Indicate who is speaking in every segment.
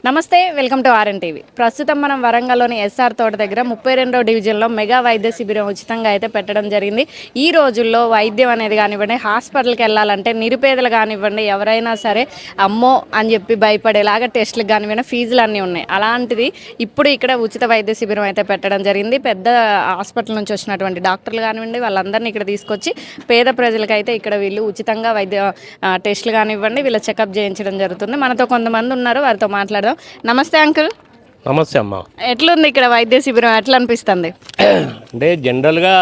Speaker 1: నమస్తే, welcome to TV. ప్రస్తుతం మనం వరంగల్లోని ఎస్ఆర్ తోట దగ్గర 32వ డివిజన్లో మెగా వైద్య శిబిరం ఉచితంగా అయితే పెట్టడం జరిగింది. ఈ రోజుల్లో వైద్యం అనేది కానివ్వండి, హాస్పిటల్కి వెళ్ళాలంటే నిరుపేదలు కానివ్వండి, ఎవరైనా సరే అమ్మో అని చెప్పి భయపడేలాగా టెస్టులకు కానివ్వండి ఫీజులు అన్నీ ఉన్నాయి. అలాంటిది ఇప్పుడు ఇక్కడ ఉచిత వైద్య శిబిరం అయితే పెట్టడం జరిగింది. పెద్ద హాస్పిటల్ నుంచి వచ్చినటువంటి డాక్టర్లు కానివ్వండి వాళ్ళందరినీ ఇక్కడ తీసుకొచ్చి పేద ప్రజలకైతే ఇక్కడ వీళ్ళు ఉచితంగా వైద్య టెస్టులు కానివ్వండి వీళ్ళ చెకప్ చేయించడం జరుగుతుంది. మనతో కొంతమంది ఉన్నారు, వారితో మాట్లాడదాం. నమస్తే అంకుల్.
Speaker 2: నమస్తే అమ్మ.
Speaker 1: ఎట్లుంది ఇక్కడ వైద్య శిబిరం, ఎట్లా అనిపిస్తుంది?
Speaker 2: అంటే జనరల్గా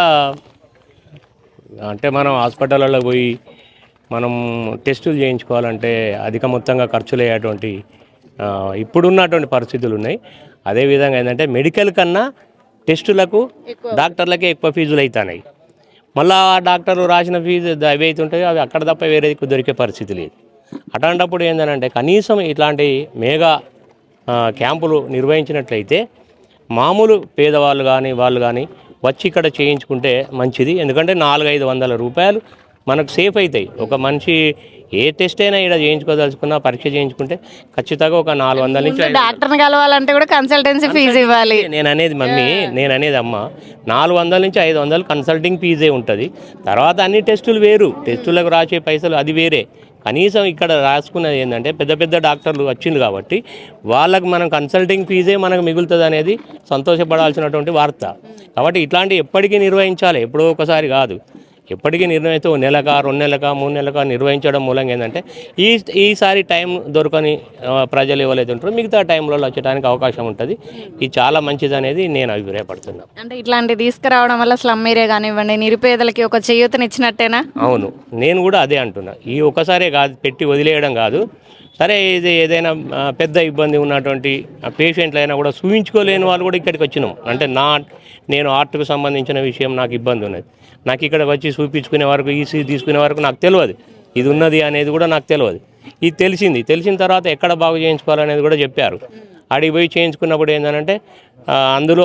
Speaker 2: అంటే మనం హాస్పిటల్లో పోయి మనం టెస్టులు చేయించుకోవాలంటే అధిక మొత్తంగా ఖర్చులు అయ్యేటువంటి ఇప్పుడున్నటువంటి పరిస్థితులు ఉన్నాయి. అదేవిధంగా ఏంటంటే మెడికల్ కన్నా టెస్టులకు డాక్టర్లకే ఎక్కువ ఫీజులు అవుతున్నాయి. మళ్ళీ ఆ డాక్టర్లు రాసిన ఫీజు అవి అవుతుంటాయి, అవి అక్కడ తప్ప వేరే దొరికే పరిస్థితి లేదు. అట్లాంటప్పుడు ఏంటంటే కనీసం ఇట్లాంటి మేఘా క్యాంపులు నిర్వహించినట్లయితే మామూలు పేదవాళ్ళు కానీ వాళ్ళు కానీ వచ్చి ఇక్కడ చేయించుకుంటే మంచిది. ఎందుకంటే 400-500 రూపాయలు మనకు సేఫ్ అవుతాయి. ఒక మనిషి ఏ టెస్ట్ అయినా ఇక్కడ చేయించుకోదలుచుకున్నా పరీక్ష చేయించుకుంటే ఖచ్చితంగా ఒక 400 నుంచి
Speaker 1: డాక్టర్ని కలవాలంటే కూడా కన్సల్టెన్సీ ఫీజు ఇవ్వాలి.
Speaker 2: నేను అనేది మమ్మీ, నేను అనేది అమ్మ, 400 నుంచి 500 కన్సల్టింగ్ ఫీజే ఉంటుంది. తర్వాత అన్ని టెస్టులు వేరు, టెస్టులకు రాసే పైసలు అది వేరే. కనీసం ఇక్కడ రాసుకున్నది ఏంటంటే పెద్ద పెద్ద డాక్టర్లు వచ్చింది కాబట్టి వాళ్ళకు మనం కన్సల్టింగ్ ఫీజే మనకు మిగులుతుంది అనేది సంతోషపడాల్సినటువంటి వార్త. కాబట్టి ఇట్లాంటివి ఎప్పటికీ నిర్వహించాలి, ఎప్పుడో ఒకసారి కాదు. ఎప్పటికీ నిర్ణయితే 1 నెలక 2 నెలక 3 నెలక నిర్వహించడం మూలంగా ఏంటంటే ఈసారి టైం దొరకని ప్రజలు ఎవరైతే ఉంటారో మిగతా టైంలో వచ్చడానికి అవకాశం ఉంటుంది. ఇది చాలా మంచిది అనేది నేను అభిప్రాయపడుతున్నాను.
Speaker 1: అంటే ఇట్లాంటి తీసుకురావడం వల్ల స్లమ్ ఏరియా కానివ్వండి నిరుపేదలకి ఒక చేయూతనిచ్చినట్టేనా?
Speaker 2: అవును, నేను కూడా అదే అంటున్నా. ఈ ఒక్కసారే కాదు, పెట్టి వదిలేయడం కాదు. సరే, ఇది ఏదైనా పెద్ద ఇబ్బంది ఉన్నటువంటి పేషెంట్లు అయినా కూడా చూపించుకోలేని వాళ్ళు కూడా ఇక్కడికి వచ్చినాం అంటే నేను ఆర్ట్కు సంబంధించిన విషయం నాకు ఇబ్బంది ఉన్నది. నాకు ఇక్కడ వచ్చి చూపించుకునే వరకు ఈసీ తీసుకునే వరకు నాకు తెలియదు, ఇది ఉన్నది అనేది కూడా నాకు తెలియదు. ఇది తెలిసిన తర్వాత ఎక్కడ బాగు చేయించుకోవాలనేది కూడా చెప్పారు. అడిగి పోయి చేయించుకున్నప్పుడు ఏంటంటే అందులో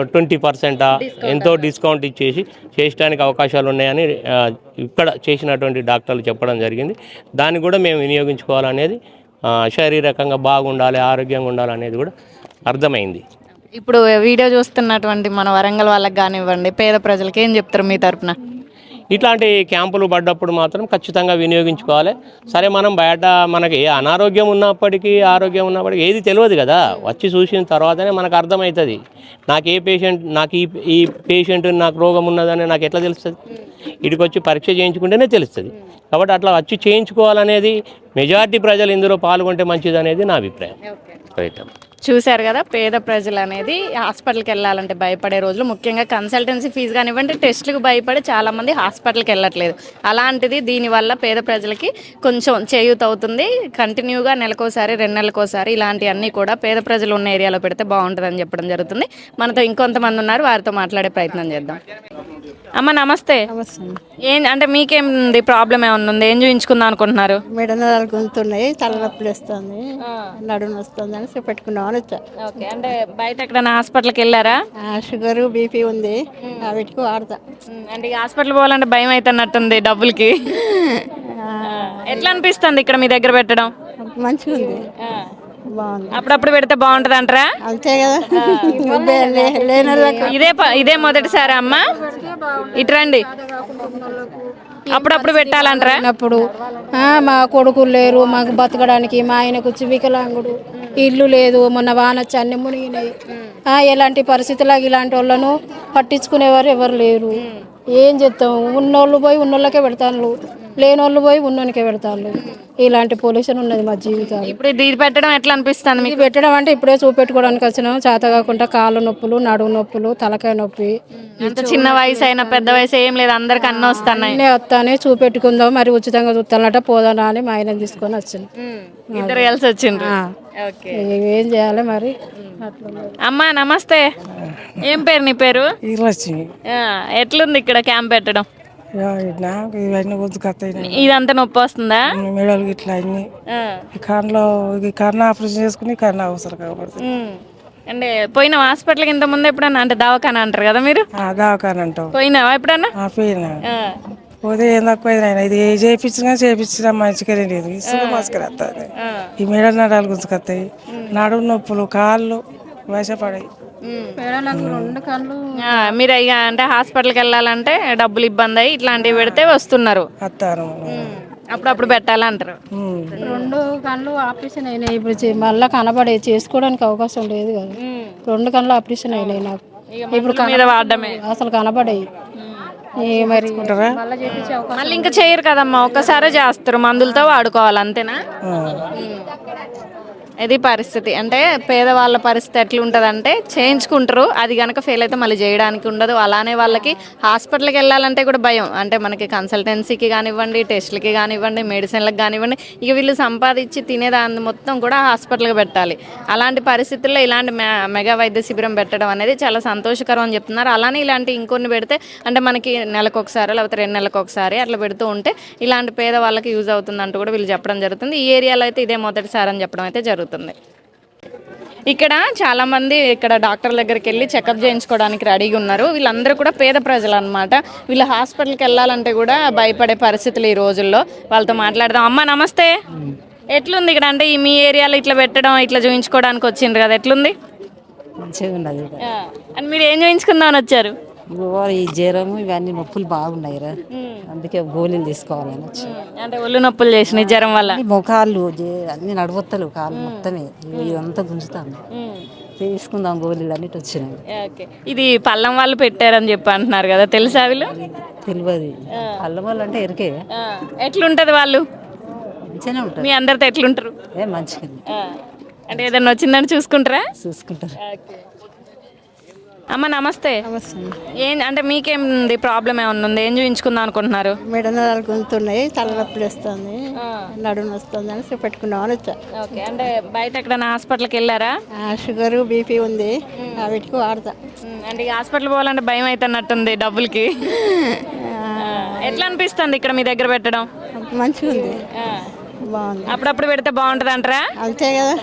Speaker 2: 20% ఎంతో డిస్కౌంట్ ఇచ్చేసి చేయడానికి అవకాశాలు ఉన్నాయని ఇక్కడ చేసినటువంటి డాక్టర్లు చెప్పడం జరిగింది. దాన్ని కూడా మేము వినియోగించుకోవాలనేది, శారీరకంగా బాగుండాలి, ఆరోగ్యంగా ఉండాలనేది కూడా అర్థమైంది.
Speaker 1: ఇప్పుడు వీడియో చూస్తున్నటువంటి మన వరంగల్ వాళ్ళకి కానివ్వండి పేద ప్రజలకి ఏం చెప్తారు మీ తరపున?
Speaker 2: ఇట్లాంటి క్యాంపులు పడ్డప్పుడు మాత్రం ఖచ్చితంగా వినియోగించుకోవాలి. సరే, మనం బయట మనకి అనారోగ్యం ఉన్నప్పటికీ ఆరోగ్యం ఉన్నప్పటికీ ఏది తెలియదు కదా, వచ్చి చూసిన తర్వాతనే మనకు అర్థమవుతుంది. నాకు ఈ పేషెంట్ నాకు రోగం ఉన్నదని నాకు ఎట్లా తెలుస్తుంది? ఇటుకు వచ్చి పరీక్ష చేయించుకుంటేనే తెలుస్తుంది. కాబట్టి అట్లా వచ్చి చేయించుకోవాలనేది, మెజారిటీ ప్రజలు ఇందులో పాల్గొంటే మంచిది అనేది నా అభిప్రాయం. రైట్.
Speaker 1: చూశారు కదా, పేద ప్రజలు అనేది హాస్పిటల్కి వెళ్ళాలంటే భయపడే రోజులు, ముఖ్యంగా కన్సల్టెన్సీ ఫీజు కానివ్వండి టెస్టులకు భయపడి చాలామంది హాస్పిటల్కి వెళ్ళట్లేదు. అలాంటిది దీనివల్ల పేద ప్రజలకి కొంచెం చేయూత అవుతుంది. కంటిన్యూగా నెలకోసారి 2 నెలలకోసారి ఇలాంటివన్నీ కూడా పేద ప్రజలు ఉన్న ఏరియాలో పెడితే బాగుంటుందని చెప్పడం జరుగుతుంది. మనతో ఇంకొంతమంది ఉన్నారు, వారితో మాట్లాడే ప్రయత్నం చేద్దాం. అమ్మ నమస్తే. అంటే మీకేంది ప్రాబ్లం ఏమన్నా ఉంది? ఏం చూపించుకుందాం అనుకుంటున్నారు?
Speaker 3: మెడనరాలు గుంతున్నాయి, తలనొప్పులు వస్తుంది, నడుము వస్తుంది అని పెట్టుకున్నామని వచ్చా.
Speaker 1: ఓకే, అంటే బయట ఎక్కడైనా హాస్పిటల్కి వెళ్ళారా?
Speaker 3: షుగర్ బీపీ ఉంది, వీటికి వాడతా.
Speaker 1: అంటే హాస్పిటల్ పోవాలంటే భయం అవుతున్నట్టుంది డబ్బులకి. ఎట్లా అనిపిస్తుంది ఇక్కడ మీ దగ్గర పెట్టడం?
Speaker 3: మంచిగా ఉంది, బాగుంది.
Speaker 1: అప్పుడప్పుడు పెడితే బాగుంటది అంటారా?
Speaker 3: అంతే కదా.
Speaker 1: ఇదే మొదటిసారి అమ్మ ఇటు రండి, అప్పుడప్పుడు పెట్టాలంటారా?
Speaker 3: అప్పుడు మా కొడుకులు లేరు మాకు బతకడానికి, మా ఆయనకు వికలాంగుడు, ఇల్లు లేదు, మొన్న వానొచ్చి అన్ని మునిగినాయి. ఎలాంటి పరిస్థితులకు ఇలాంటి వాళ్ళను పట్టించుకునేవారు ఎవరు లేరు. ఏం చేస్తాం? ఉన్నోళ్ళు పోయి ఉన్నోళ్ళకే పెడతాను, లేనోళ్ళు పోయి ఉన్నోనికే పెడతాను. ఇలాంటి పొల్యూషన్ ఉన్నది మా జీవితాలు.
Speaker 1: ఇప్పుడు ఇది పెట్టడం ఎట్లా అనిపిస్తుంది మీకు?
Speaker 3: పెట్టడం అంటే ఇప్పుడే చూపెట్టుకోవడానికి వచ్చినాం, చేత కాకుండా కాళ్ళు నొప్పులు, నడుము నొప్పులు, తలకాయ నొప్పి.
Speaker 1: చిన్న వయసు అయినా పెద్ద వయసు ఏం లేదు, అందరికి అన్నీ వస్తున్నాయి.
Speaker 3: వస్తానే చూపెట్టుకుందాం, మరి ఉచితంగా చూస్తానట పోదానా అని మా ఆయన తీసుకొని వచ్చింది.
Speaker 1: ఇద్దరు కలిసి వచ్చిండ్రు.
Speaker 3: ఏం చేయాలి మరి.
Speaker 1: అమ్మా నమస్తే, ఏం పేరు నీ పేరు? ఎట్లుంది ఇక్కడ క్యాంప్ పెట్టడం? ఇదంతా నొప్పి వస్తుందా?
Speaker 3: మెడలు ఇట్లా అన్ని కర్ణ ఆపరేషన్ చేసుకుని కర్ణ అవసరం కాబట్టి.
Speaker 1: అంటే పోయిన హాస్పిటల్కి ఇంత ముందు ఎప్పుడన్నా? అంటే దవాఖాన అంటారు కదా మీరు?
Speaker 3: దవాఖాన అంటాం.
Speaker 1: పోయినావా ఎప్పుడన్నా?
Speaker 3: పోయినా.
Speaker 4: పోతే ఏం తక్కువ ఆయన ఇది ఏ చేయించినా మంచిగానే లేదు ఇసుక మస్కర్ వస్తుంది. ఈ మెడ నరాలు గుంజుకొస్తాయి, నడుము నొప్పులు, కాళ్ళు వశపడాయి.
Speaker 3: పేడలకు 2 కళ్ళు
Speaker 1: మీరు ఇక అంటే హాస్పిటల్కి వెళ్ళాలంటే డబ్బులు ఇబ్బంది అయ్యి ఇట్లాంటివి పెడితే వస్తున్నారు.
Speaker 4: వస్తాను.
Speaker 1: అప్పుడప్పుడు పెట్టాలంటారు.
Speaker 3: 2 కళ్ళు ఆపరేషన్ అయినాయి. ఇప్పుడు మళ్ళీ కనబడే చేసుకోవడానికి అవకాశం లేదు కదా. 2 కళ్ళు ఆపరేషన్ అయినాయి నాకు. ఇప్పుడు
Speaker 1: మీద వాడడమే
Speaker 3: అసలు కనబడాయి. మరి మళ్ళీ చేపించే అవకాశం
Speaker 1: మళ్ళీ ఇంకా చేయరు కదమ్మా, ఒక్కసారే చేస్తారు, మందులతో వాడుకోవాలి అంతేనా. ఇది పరిస్థితి. అంటే పేదవాళ్ళ పరిస్థితి ఎట్లుంటుందంటే చేయించుకుంటారు, అది కనుక ఫెయిల్ అయితే మళ్ళీ చేయడానికి ఉండదు. అలానే వాళ్ళకి హాస్పిటల్కి వెళ్ళాలంటే కూడా భయం. అంటే మనకి కన్సల్టెన్సీకి కానివ్వండి, టెస్టులకి కానివ్వండి, మెడిసిన్లకు కానివ్వండి, ఇక వీళ్ళు సంపాదించి తినేదాన్ని మొత్తం కూడా హాస్పిటల్కి పెట్టాలి. అలాంటి పరిస్థితుల్లో ఇలాంటి మెగా వైద్య శిబిరం పెట్టడం అనేది చాలా సంతోషకరం అని చెప్తున్నారు. అలానే ఇలాంటి ఇంకొన్ని పెడితే అంటే మనకి నెలకు ఒకసారి లేకపోతే 2 నెలలకు ఒకసారి అట్లా పెడుతూ ఉంటే ఇలాంటి పేదవాళ్ళకి యూజ్ అవుతుందంటూ కూడా వీళ్ళు చెప్పడం జరుగుతుంది. ఈ ఏరియాలో అయితే ఇదే మొదటిసారి అని చెప్పడం అయితే జరుగుతుంది. ఇక్కడ చాలా మంది ఇక్కడ డాక్టర్ దగ్గరికి వెళ్ళి చెకప్ చేయించుకోవడానికి రెడీగా ఉన్నారు. వీళ్ళందరూ కూడా పేద ప్రజలు అనమాట. వీళ్ళు హాస్పిటల్కి వెళ్ళాలంటే కూడా భయపడే పరిస్థితులు ఈ రోజుల్లో. వాళ్ళతో మాట్లాడదాం. అమ్మ నమస్తే, ఎట్లుంది ఇక్కడ? అంటే ఈ మీ ఏరియాలో ఇట్లా పెట్టడం, ఇట్లా చూయించుకోవడానికి వచ్చిండ్రు కదా, ఎట్లుంది?
Speaker 5: మంచిగా ఉన్నది.
Speaker 1: అని మీరు ఏం చూయించుకుందామని వచ్చారు?
Speaker 5: ఈ జ్వరము ఇవన్నీ నొప్పులు బాగున్నాయి రా, అందుకే గోళీలు తీసుకోవాలని వచ్చి.
Speaker 1: అంటే ఒళ్ళు నొప్పులు చేసినాయి జ్వరం వల్ల?
Speaker 5: మొఖాలు అన్ని నడవత్తలు, కాళ్ళు మొత్తమే ఇదంతా గుంజుతాను, తీసుకుందాం గోళీలు అన్నిటి వచ్చినాయి.
Speaker 1: ఓకే, ఇది పల్లం వాళ్ళు పెట్టారని చెప్పి అంటున్నారు కదా, తెలుసా వీళ్ళు?
Speaker 5: తెలియదు. అల్లం వాళ్ళు అంటే ఎరికే.
Speaker 1: ఎట్లుంటది వాళ్ళు?
Speaker 5: మంచిగానే ఉంటారు.
Speaker 1: మీ అందరితో ఎట్లుంటారు?
Speaker 5: మంచిగా
Speaker 1: అంటే ఏదైనా వచ్చిందని చూసుకుంటారా?
Speaker 5: చూసుకుంటారు.
Speaker 1: అమ్మ నమస్తే. ఏం అంటే మీకేంది ప్రాబ్లం ఏమన్నా ఉంది? ఏం చూపించుకుందాం అనుకుంటున్నారు?
Speaker 6: మెడ నరాలు గుంతున్నాయి, తలనొప్పులు వస్తుంది, నడుము వస్తుంది అని పెట్టుకున్నామని వచ్చా.
Speaker 1: ఓకే, అంటే బయట ఎక్కడైనా హాస్పిటల్కి వెళ్ళారా?
Speaker 6: షుగరు బీపీ ఉంది, వీటికి వాడతా.
Speaker 1: అంటే ఈ హాస్పిటల్ పోవాలంటే భయం అవుతున్నట్టుంది డబ్బులకి. ఎట్లా అనిపిస్తుంది ఇక్కడ మీ దగ్గర పెట్టడం?
Speaker 6: మంచిగా ఉంది, బాగుంది.
Speaker 1: అప్పుడప్పుడు పెడితే బాగుంటది అంటారా?
Speaker 6: అంతే కదా,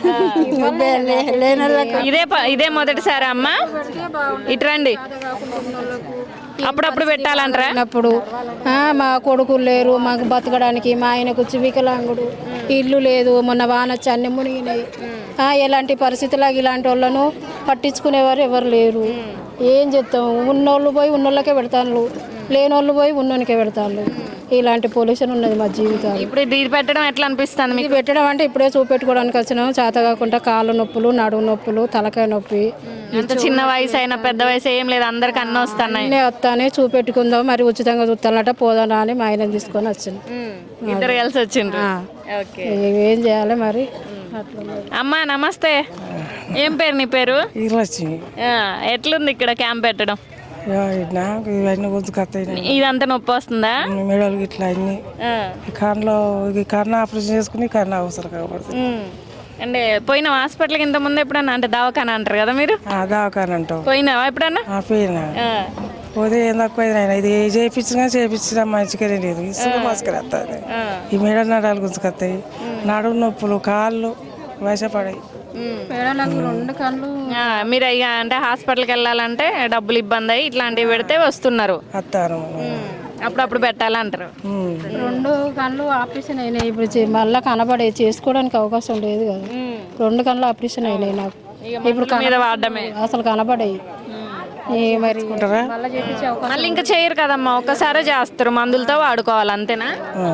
Speaker 6: లేని వాళ్ళకి
Speaker 1: ఇదే మొదటిసారి అమ్మ ఇటు రండి. అప్పుడప్పుడు పెట్టాలంటారా?
Speaker 3: అప్పుడు మా కొడుకులు లేరు, మాకు బతకడానికి. మా ఆయనకు వికలాంగుడు, ఇల్లు లేదు, మొన్న వాన వచ్చి అన్ని మునిగినాయి. ఎలాంటి పరిస్థితులకు ఇలాంటి వాళ్ళను పట్టించుకునేవారు ఎవరు లేరు. ఏం చేస్తాం? ఉన్నోళ్ళు పోయి ఉన్నోళ్ళకే పెడతాను, లేనోళ్ళు పోయి ఉన్నోనికే పెడతాను. ఇలాంటి పొల్యూషన్ ఉన్నది మా జీవితాలు.
Speaker 1: ఇప్పుడు ఇది పెట్టడం ఎట్లా అనిపిస్తుంది మీకు?
Speaker 3: పెట్టడం అంటే ఇప్పుడే చూపెట్టుకోవడానికి వచ్చినాం, చేత కాకుండా కాళ్ళు నొప్పులు, నడుము నొప్పులు, తలకాయ నొప్పి.
Speaker 1: అంత చిన్న వయసు అయినా పెద్ద వయసు ఏం లేదు, అందరికి అన్నీ వస్తున్నాయి.
Speaker 3: వస్తానే చూపెట్టుకుందాం, మరి ఉచితంగా చూస్తానట పోదానా అని మా ఆయన తీసుకొని వచ్చింది.
Speaker 1: ఇద్దరు కలిసి వచ్చిండ్రు.
Speaker 3: ఏం చేయాలి మరి?
Speaker 1: అమ్మా నమస్తే, ఏం పేరు నీ పేరు?
Speaker 4: ఈరోజు
Speaker 1: ఎట్లుంది ఇక్కడ క్యాంప్ పెట్టడం?
Speaker 4: నాకు ఇవన్నీ గుంజుకొస్తాయి,
Speaker 1: ఇదంతా నొప్పి వస్తుందా?
Speaker 4: మెడలు ఇట్లా అన్ని కన్నులో కన్ను ఆపరేషన్ చేసుకుని కన్ను అవసరం కాబట్టి.
Speaker 1: అంటే పోయిన హాస్పిటల్కి ఇంత ముందు ఎప్పుడన్నా? అంటే దవాఖాన అంటారు కదా మీరు,
Speaker 4: దవాఖాన అంటాం.
Speaker 1: పోయినావా ఎప్పుడన్నా?
Speaker 4: పోయినా. పోతే ఏం తక్కువ ఆయన ఇది ఏ చేయించినా మంచిగానే లేదు ఇసుక మస్కర్ వస్తుంది. ఈ మెడ నరాలు గుంజుకొస్తాయి, నడుము నొప్పులు, కాళ్ళు వశపడాయి.
Speaker 3: పేడలకు 2 కళ్ళు
Speaker 1: మీరు ఇక అంటే హాస్పిటల్కి వెళ్ళాలంటే డబ్బులు ఇబ్బంది అయ్యి ఇట్లాంటివి పెడితే వస్తున్నారు.
Speaker 4: వస్తాను.
Speaker 1: అప్పుడప్పుడు పెట్టాలంటారు.
Speaker 3: 2 కళ్ళు ఆపరేషన్ అయినాయి. ఇప్పుడు మళ్ళీ కనబడే చేసుకోవడానికి అవకాశం లేదు కదా. 2 కళ్ళు ఆపరేషన్ అయినాయి నాకు. ఇప్పుడు
Speaker 1: మీద వాడడమే
Speaker 3: అసలు కనబడాయి. మరి మళ్ళీ చేపించే అవకాశం.
Speaker 1: మళ్ళీ ఇంకా చేయరు కదమ్మా, ఒక్కసారే చేస్తారు, మందులతో వాడుకోవాలి అంతేనా.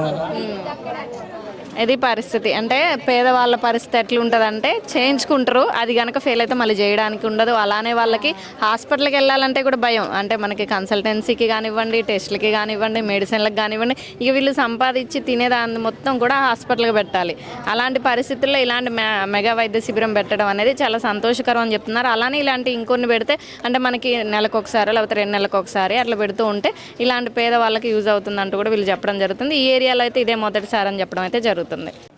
Speaker 1: ఇది పరిస్థితి. అంటే పేదవాళ్ళ పరిస్థితి ఎట్లుంటుందంటే చేయించుకుంటారు, అది కనుక ఫెయిల్ అయితే మళ్ళీ చేయడానికి ఉండదు. అలానే వాళ్ళకి హాస్పిటల్కి వెళ్ళాలంటే కూడా భయం. అంటే మనకి కన్సల్టెన్సీకి కానివ్వండి, టెస్టులకి కానివ్వండి, మెడిసిన్లకు కానివ్వండి, ఇక వీళ్ళు సంపాదించి తినేదాన్ని మొత్తం కూడా హాస్పిటల్కి పెట్టాలి. అలాంటి పరిస్థితుల్లో ఇలాంటి మెగా వైద్య శిబిరం పెట్టడం అనేది చాలా సంతోషకరం అని చెప్తున్నారు. అలానే ఇలాంటి ఇంకొన్ని పెడితే అంటే మనకి నెలకు ఒకసారి లేకపోతే 2 నెలలకు ఒకసారి అట్లా పెడుతూ ఉంటే ఇలాంటి పేదవాళ్ళకి యూజ్ అవుతుందంటూ కూడా వీళ్ళు చెప్పడం జరుగుతుంది. ఈ ఏరియాలో అయితే ఇదే మొదటిసారి అని చెప్పడం అయితే జరుగుతుంది.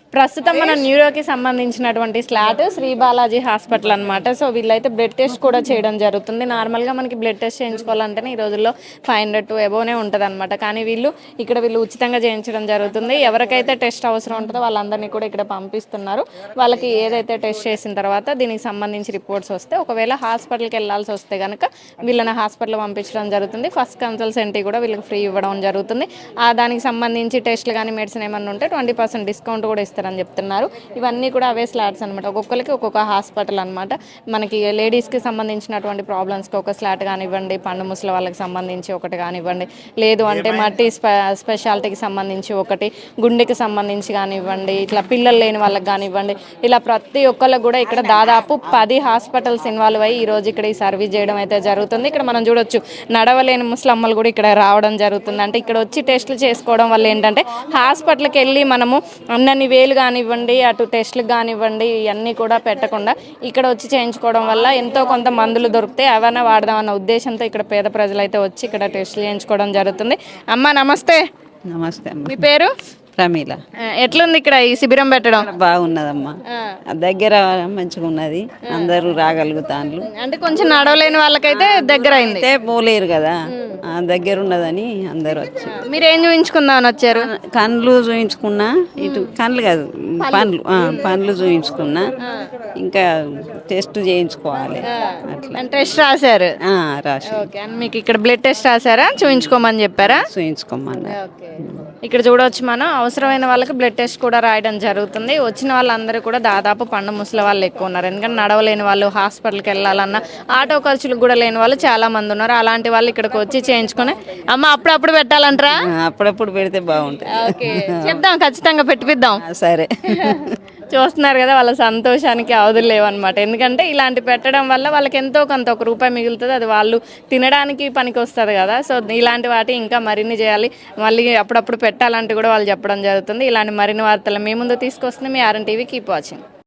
Speaker 1: ప్రస్తుతం మన న్యూరోకి సంబంధించినటువంటి స్లాట్ శ్రీ బాలాజీ హాస్పిటల్ అనమాట. సో వీళ్ళైతే బ్లడ్ టెస్ట్ కూడా చేయడం జరుగుతుంది. నార్మల్గా మనకి బ్లడ్ టెస్ట్ చేయించుకోవాలంటేనే ఈ రోజుల్లో 500 to above ఉంటుంది అనమాట. కానీ వీళ్ళు ఉచితంగా చేయించడం జరుగుతుంది. ఎవరికైతే టెస్ట్ అవసరం ఉంటుందో వాళ్ళందరినీ కూడా ఇక్కడ పంపిస్తున్నారు. వాళ్ళకి ఏదైతే టెస్ట్ చేసిన తర్వాత దీనికి సంబంధించి రిపోర్ట్స్ వస్తే ఒకవేళ హాస్పిటల్కి వెళ్ళాల్సి వస్తే కనుక వీళ్ళని హాస్పిటల్ పంపించడం జరుగుతుంది. ఫస్ట్ కన్సల్టెన్సీ కూడా వీళ్ళకి ఫ్రీ ఇవ్వడం జరుగుతుంది. దానికి సంబంధించి టెస్ట్లు కానీ మెడిసిన్ ఏమన్నా ఉంటే 20% డిస్కౌంట్ కూడా ఇస్తారని చెప్తున్నారు. ఇవన్నీ కూడా అవే స్లాట్స్ అనమాట. ఒక్కొక్కరికి ఒక్కొక్క హాస్పిటల్ అనమాట. మనకి లేడీస్కి సంబంధించినటువంటి ప్రాబ్లమ్స్కి ఒక స్లాట్ కానివ్వండి, పండు ముసలి వాళ్ళకి సంబంధించి ఒకటి కానివ్వండి, లేదు అంటే మల్టీ స్పెషాలిటీకి సంబంధించి ఒకటి, గుండెకి సంబంధించి కానివ్వండి, ఇట్లా పిల్లలు లేని వాళ్ళకి కానివ్వండి, ఇలా ప్రతి ఒక్కళ్ళకి కూడా ఇక్కడ దాదాపు 10 హాస్పిటల్స్ ఇన్వాల్వ్ అయ్యి ఈరోజు ఇక్కడ ఈ సర్వీస్ చేయడం అయితే జరుగుతుంది. ఇక్కడ మనం చూడొచ్చు నడవలేని ముసలమ్మలు కూడా ఇక్కడ రావడం జరుగుతుంది. అంటే ఇక్కడ వచ్చి టెస్టులు చేసుకోవడం వల్ల ఏంటంటే హాస్పిటల్కి వెళ్ళి మనము అన్నన్ని వేలు కానివ్వండి, అటు టెస్టులకు కానివ్వండి, ఇవన్నీ కూడా పెట్టకుండా ఇక్కడ వచ్చి చేయించుకోవడం వల్ల ఎంతో కొంత మందులు దొరికితే అవన్నీ వాడదామన్న ఉద్దేశంతో ఇక్కడ పేద ప్రజలు అయితే వచ్చి ఇక్కడ టెస్టులు చేయించుకోవడం జరుగుతుంది. అమ్మ నమస్తే.
Speaker 7: నమస్తే అమ్మ.
Speaker 1: మీ పేరు?
Speaker 7: ప్రమీల.
Speaker 1: ఎట్లుంది ఇక్కడ ఈ శిబిరం పెట్టడం?
Speaker 7: బాగున్నదమ్మా, దగ్గర మంచిగా ఉన్నది, అందరూ రాగలుగుతాండ్రు.
Speaker 1: అంటే కొంచెం నడవలేని వాళ్ళకైతే దగ్గర అయింది,
Speaker 7: పోలేరు కదా, దగ్గర ఉన్నదని అందరూ వచ్చి.
Speaker 1: మీరు ఏం చూపించుకుందామని వచ్చారు?
Speaker 7: కండ్లు చూయించుకున్నా, ఇటు కండ్లు కాదు పండ్లు చూయించుకున్నా, ఇంకా టెస్ట్ చేయించుకోవాలి అట్లా.
Speaker 1: టెస్ట్ రాశారు?
Speaker 7: రాసి.
Speaker 1: ఓకే. మీకు ఇక్కడ బ్లడ్ టెస్ట్ రాశారా? చూయించుకోమని చెప్పారా?
Speaker 7: చూయించుకోమన్నా.
Speaker 1: ఇక్కడ చూడవచ్చు మనం అవసరమైన వాళ్ళకి బ్లడ్ టెస్ట్ కూడా రాయడం జరుగుతుంది. వచ్చిన వాళ్ళందరూ కూడా దాదాపు పండు ముసలి వాళ్ళు ఎక్కువ ఉన్నారు. ఎందుకంటే నడవలేని వాళ్ళు, హాస్పిటల్కి వెళ్ళాలన్నా ఆటో ఖర్చులకు కూడా లేని వాళ్ళు చాలా మంది ఉన్నారు. అలాంటి వాళ్ళు ఇక్కడికి వచ్చి చేయించుకుని అమ్మ అప్పుడప్పుడు పెట్టాలంటారా?
Speaker 7: అప్పుడప్పుడు పెడితే బాగుంటుంది.
Speaker 1: ఓకే, చెప్దాం, ఖచ్చితంగా పెట్టిద్దాం.
Speaker 7: సరే.
Speaker 1: చూస్తున్నారు కదా, వాళ్ళ సంతోషానికి అవధులు లేవన్నమాట. ఎందుకంటే ఇలాంటి పెట్టడం వల్ల వాళ్ళకి ఎంతో కొంత ₹1 మిగులుతుంది. అది వాళ్ళు తినడానికి పనికి వస్తుంది కదా. సో ఇలాంటి వాటి ఇంకా మరిన్ని చేయాలి, మళ్ళీ అప్పుడప్పుడు పెట్టాలంటే కూడా వాళ్ళు చెప్పడం జరుగుతుంది. ఇలాంటి మరిన్ని వార్తలు మీ ముందు తీసుకొస్తుంది మీ RN TV. Keep watching.